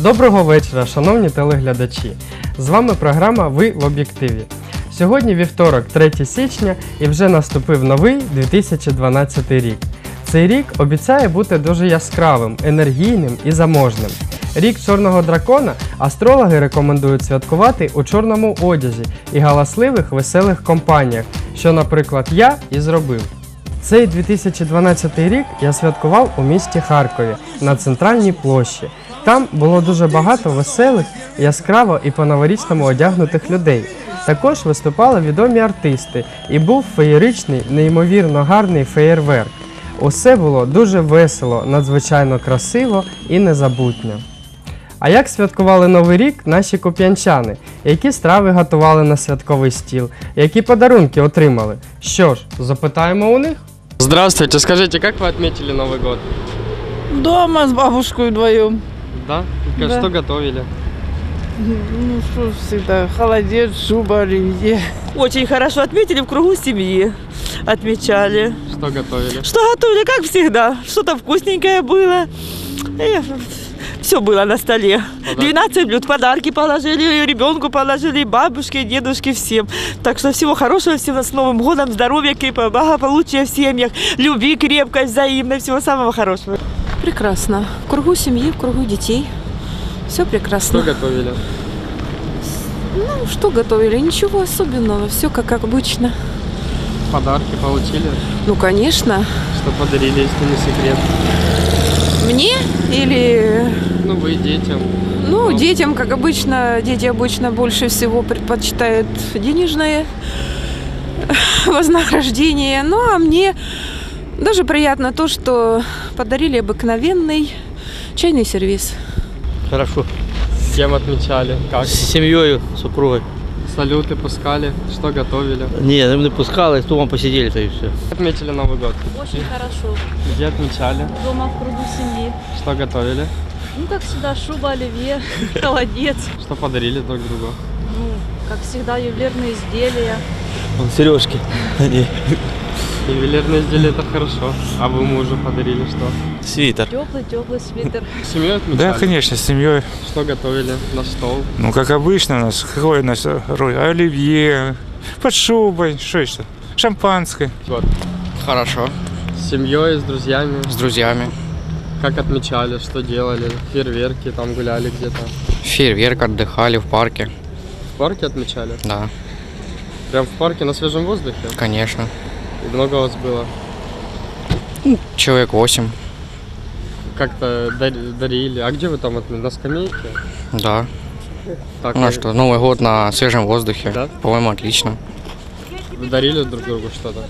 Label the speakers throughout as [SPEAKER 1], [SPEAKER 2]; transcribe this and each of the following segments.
[SPEAKER 1] Доброго вечора, шановні телеглядачі! З вами програма «Ви в об'єктиві». Сьогодні вівторок, 3 січня, і вже наступив новий 2012 рік. Цей рік обіцяє бути дуже яскравим, енергійним і заможним. Рік чорного дракона астрологи рекомендують святкувати у чорному одязі і галасливих, веселих компаніях, що, наприклад, я і зробив. Цей 2012 рік я святкував у місті Харкові на Центральній площі. Там було дуже багато веселих, яскраво і по-новорічному одягнутих людей. Також виступали відомі артисти і був феєричний, неймовірно гарний феєрверк. Усе було дуже весело, надзвичайно красиво і незабутньо. А як святкували Новий рік наші куп'янчани? Які страви готували на святковий стіл? Які подарунки отримали? Що ж, запитаємо у них? Здравствуйте, скажите, как вы отметили Новый год?
[SPEAKER 2] Дома с бабушкой вдвоем.
[SPEAKER 1] Да?
[SPEAKER 2] Да.
[SPEAKER 1] Что готовили?
[SPEAKER 2] Ну что всегда, холодец, шуба, оливье.
[SPEAKER 3] Очень хорошо отметили в кругу семьи. Отмечали.
[SPEAKER 1] Что готовили?
[SPEAKER 3] Что готовили, как всегда. Что-то вкусненькое было. Все было на столе. 12 блюд, подарки положили, ребенку положили, бабушке, дедушке, всем. Так что всего хорошего, всем с Новым годом, здоровья, благополучия в семьях, любви крепкой, взаимной, всего самого хорошего.
[SPEAKER 4] Прекрасно. В кругу семьи, в кругу детей. Все прекрасно.
[SPEAKER 1] Что готовили?
[SPEAKER 4] Ну, что готовили? Ничего особенного. Все как обычно.
[SPEAKER 1] Подарки получили?
[SPEAKER 4] Ну, конечно.
[SPEAKER 1] Что подарили, если не секрет?
[SPEAKER 4] Мне или...
[SPEAKER 1] Ну, вы детям.
[SPEAKER 4] Ну, детям, как обычно, дети обычно больше всего предпочитают денежное вознаграждение. Ну, а мне даже приятно то, что подарили обыкновенный чайный сервиз.
[SPEAKER 5] Хорошо.
[SPEAKER 1] С кем отмечали? Как?
[SPEAKER 5] С семьей, супругой.
[SPEAKER 1] Салюты пускали? Что готовили?
[SPEAKER 5] Не, мы не пускали, с дома посидели-то и все.
[SPEAKER 1] Отметили Новый год?
[SPEAKER 6] Очень хорошо.
[SPEAKER 1] Где отмечали?
[SPEAKER 6] Дома в кругу семьи.
[SPEAKER 1] Что готовили?
[SPEAKER 6] Ну, как всегда, шуба, оливье, холодец.
[SPEAKER 1] Что подарили друг другу?
[SPEAKER 6] Ну, как всегда, ювелирные изделия.
[SPEAKER 5] Сережки.
[SPEAKER 1] Ювелирные изделия – это хорошо. А вы мужу подарили что?
[SPEAKER 7] Свитер.
[SPEAKER 6] Теплый свитер.
[SPEAKER 1] С семьей отмечали?
[SPEAKER 7] Да, конечно, с семьей.
[SPEAKER 1] Что готовили на стол?
[SPEAKER 7] Ну, как обычно у нас, какой у нас роль? Оливье, под шубой, что еще? Шампанское.
[SPEAKER 1] Вот.
[SPEAKER 8] Хорошо.
[SPEAKER 1] С семьей, с друзьями?
[SPEAKER 8] С друзьями.
[SPEAKER 1] Как отмечали, что делали? Фейерверки, там гуляли где-то?
[SPEAKER 8] Фейерверк, отдыхали в парке.
[SPEAKER 1] В парке отмечали?
[SPEAKER 8] Да,
[SPEAKER 1] Прям в парке на свежем воздухе?
[SPEAKER 8] конечно.
[SPEAKER 1] И много вас было?
[SPEAKER 8] Человек 8.
[SPEAKER 1] Как-то дарили? А где вы там, на скамейке?
[SPEAKER 8] Да.
[SPEAKER 1] Так,
[SPEAKER 8] Ну а что, Новый год на свежем воздухе.
[SPEAKER 1] Да?
[SPEAKER 8] По-моему, отлично.
[SPEAKER 1] Вы дарили друг другу что-то?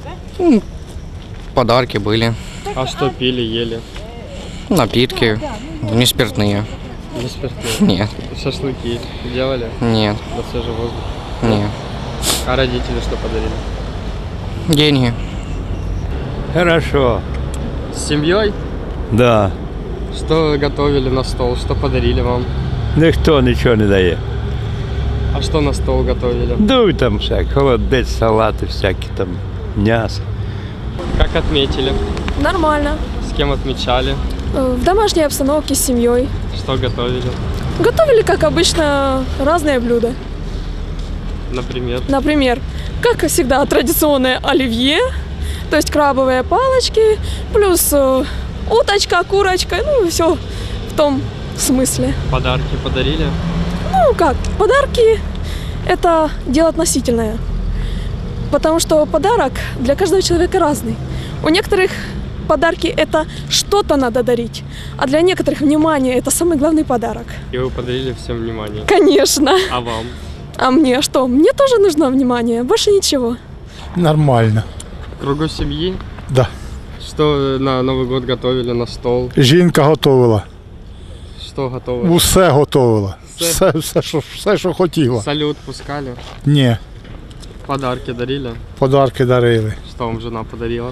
[SPEAKER 8] Подарки были.
[SPEAKER 1] А что пили, ели?
[SPEAKER 8] Напитки. Не спиртные.
[SPEAKER 1] Не спиртные?
[SPEAKER 8] Нет.
[SPEAKER 1] Шашлыки делали?
[SPEAKER 8] Нет.
[SPEAKER 1] На свежем воздухе?
[SPEAKER 8] Нет.
[SPEAKER 1] А родители что подарили?
[SPEAKER 8] Деньги.
[SPEAKER 9] Хорошо,
[SPEAKER 1] С семьей?
[SPEAKER 9] да.
[SPEAKER 1] Что готовили на стол? Что подарили вам?
[SPEAKER 9] Ніхто нічого не дає.
[SPEAKER 1] А что на стол готовили?
[SPEAKER 9] Ну там всяке, холодець, салати всякі там, м'ясо.
[SPEAKER 1] Как отметили?
[SPEAKER 10] Нормально.
[SPEAKER 1] С кем отмечали?
[SPEAKER 10] В домашней обстановке с семьей.
[SPEAKER 1] Что готовили?
[SPEAKER 10] Готовили, как обычно, разные блюда.
[SPEAKER 1] Например?
[SPEAKER 10] Например, как всегда, традиционное оливье, то есть крабовые палочки, плюс уточка, курочка, ну все в том смысле.
[SPEAKER 1] Подарки подарили?
[SPEAKER 10] Ну как, подарки – это дело относительное, потому что подарок для каждого человека разный. У некоторых подарки – это что-то надо дарить, а для некоторых внимание – это самый главный подарок.
[SPEAKER 1] И вы подарили всем внимание?
[SPEAKER 10] Конечно.
[SPEAKER 1] А вам?
[SPEAKER 10] А мне что? Мне тоже нужно внимание, больше ничего.
[SPEAKER 11] Нормально.
[SPEAKER 1] В кругу семьи?
[SPEAKER 11] Да.
[SPEAKER 1] Что на Новый год готовили на стол?
[SPEAKER 11] Жінка готувала.
[SPEAKER 1] Что готовили?
[SPEAKER 11] Усе готувала.
[SPEAKER 1] Все?
[SPEAKER 11] Все, що хотіла.
[SPEAKER 1] Салют пускали?
[SPEAKER 11] Ні,
[SPEAKER 1] Подарки дарили?
[SPEAKER 11] подарки дарили.
[SPEAKER 1] Что вам жена подарила?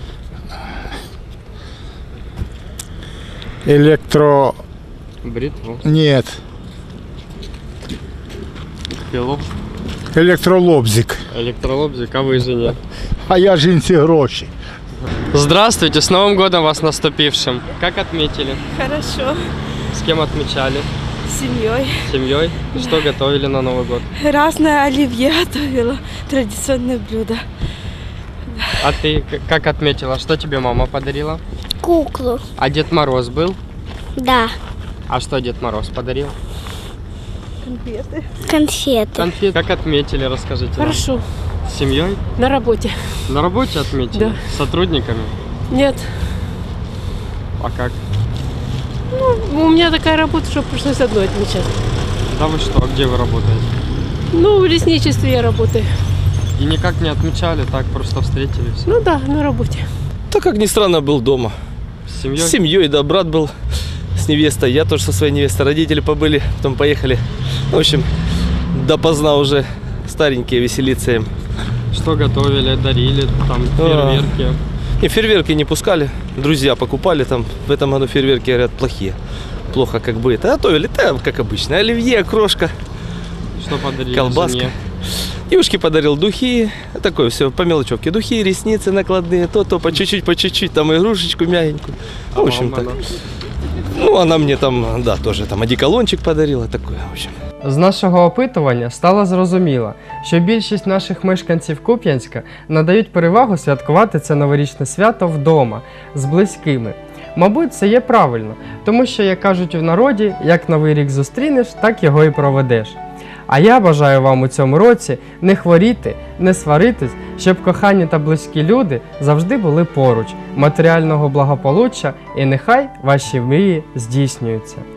[SPEAKER 1] Бритву?
[SPEAKER 11] Ні,
[SPEAKER 1] Пилу?
[SPEAKER 11] електролобзик.
[SPEAKER 1] Электролобзик, а вы жене?
[SPEAKER 11] А я жінці гроші.
[SPEAKER 1] Здравствуйте, с Новым годом вас наступившим. Как отметили?
[SPEAKER 6] Хорошо.
[SPEAKER 1] С кем отмечали?
[SPEAKER 6] С
[SPEAKER 10] С семьей.
[SPEAKER 1] С семьей? Что готовили на Новый год?
[SPEAKER 10] Разное оливье готовила, традиционное блюдо.
[SPEAKER 1] А ты как отметила, что тебе мама подарила?
[SPEAKER 12] Куклу.
[SPEAKER 1] А Дед Мороз был?
[SPEAKER 12] Да.
[SPEAKER 1] А что Дед Мороз подарил?
[SPEAKER 10] Конфеты.
[SPEAKER 12] Конфеты.
[SPEAKER 1] Конфет. Как отметили, расскажите нам.
[SPEAKER 13] Хорошо.
[SPEAKER 1] С семьей?
[SPEAKER 13] На работе.
[SPEAKER 1] На работе отметили?
[SPEAKER 13] Да.
[SPEAKER 1] С сотрудниками?
[SPEAKER 13] Нет.
[SPEAKER 1] А как?
[SPEAKER 13] Ну, у меня такая работа, что пришлось одной отмечать.
[SPEAKER 1] Да вы что, а где вы работаете?
[SPEAKER 13] Ну, в лесничестве я работаю.
[SPEAKER 1] И никак не отмечали, так просто встретили все?
[SPEAKER 13] Ну да, на работе.
[SPEAKER 14] Да, как ни странно, был дома.
[SPEAKER 1] С семьей?
[SPEAKER 14] С семьей, да, брат был с невестой, я тоже со своей невестой, родители побыли, потом поехали. В общем, допоздна уже старенькие веселиться им.
[SPEAKER 1] Что готовили, дарили, там, фейерверки?
[SPEAKER 14] И фейерверки не пускали, друзья покупали там, в этом году фейерверки, говорят, плохие. Плохо как бы это. Готовили, да, как обычно, оливье, крошка.
[SPEAKER 1] Что подарили
[SPEAKER 14] колбаска.
[SPEAKER 1] жене?
[SPEAKER 14] Девушке подарил духи, такое все по мелочевке. Духи, ресницы накладные, то по чуть-чуть, там игрушечку мягенькую. В общем так. Ну, она мне там, да, тоже там одеколончик подарила, такое, в общем.
[SPEAKER 1] З нашого опитування стало зрозуміло, що більшість наших мешканців Куп'янська надають перевагу святкувати це новорічне свято вдома, з близькими. Мабуть, це є правильно, тому що, як кажуть в народі, як Новий рік зустрінеш, так його і проведеш. А я бажаю вам у цьому році не хворіти, не сваритись, щоб кохані та близькі люди завжди були поруч, матеріального благополуччя і нехай ваші мрії здійснюються.